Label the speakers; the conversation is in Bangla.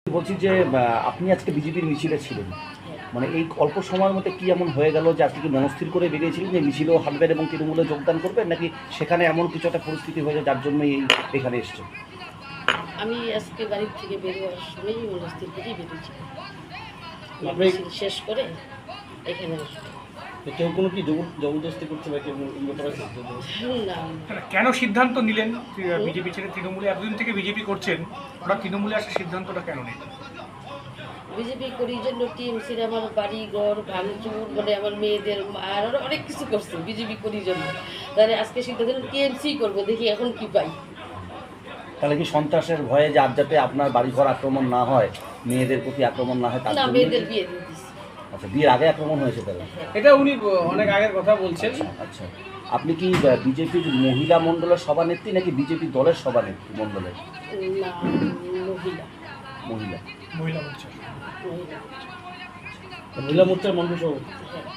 Speaker 1: বলছি যে আপনি আজকে বিজেপির মিছিলে ছিলেন, মানে এই অল্প সময়ের মধ্যে কি এমন হয়ে গেল যে আজকে কি মনস্থির করে বেরিয়েছিলেন যে মিছিলেও হাঁটবেন এবং তৃণমূলে যোগদান করবেন, নাকি সেখানে এমন কিছু একটা পরিস্থিতি হয়েছে যার জন্য এখানে এসছেন?
Speaker 2: আমি আজকে বাড়ির থেকে বেরোয়ার সময়ই মনস্থির করেই বেরিয়েছি।
Speaker 3: আপনি
Speaker 2: মিছিল শেষ করে এখানে আসবো।
Speaker 3: কেউ কোনো কি জবরদস্তি করছে বা কেউ এই ব্যাপারে
Speaker 2: না,
Speaker 4: কেন সিদ্ধান্ত নিলেন বিজেপি ছেড়ে তৃণমূলে? এতদিন থেকে বিজেপি করছেন, ওরা তৃণমূলে আসার সিদ্ধান্তটা কেন নিলেন?
Speaker 2: বিজেপি করি জন্য টিএমসির আমার বাড়ি ঘর ভাঙচুর, মানে আমার মেয়েদের আর আরো অনেক কিছু করছে বিজেপি করি জন্য। তাহলে আজকে সিদ্ধান্ত টিএমসি করবো, দেখি এখন কি পাই।
Speaker 1: তাহলে কি সন্ত্রাসের ভয়ে যে আর যাতে আপনার বাড়িঘর আক্রমণ না হয়, মেয়েদের প্রতি আক্রমণ না হয় তার
Speaker 2: না,
Speaker 1: জন্য?
Speaker 2: মেয়েদের বিয়ে দিয়ে দিচ্ছি।
Speaker 1: আচ্ছা, বিয়ের আগে আক্রমণ হয়েছে তাহলে?
Speaker 3: এটা উনি অনেক আগের কথা বলছেন।
Speaker 1: আচ্ছা, আপনি কি বিজেপির মহিলা মণ্ডলের সভানেত্রী নাকি বিজেপি দলের সভানেত্রী মণ্ডলের?
Speaker 2: না, মহিলা
Speaker 1: মহিলা।
Speaker 4: মহিলা মোর্চা।
Speaker 2: মহিলা।
Speaker 3: মহিলা মোর্চার মন্ত্রী সভাপতি।
Speaker 2: হ্যাঁ।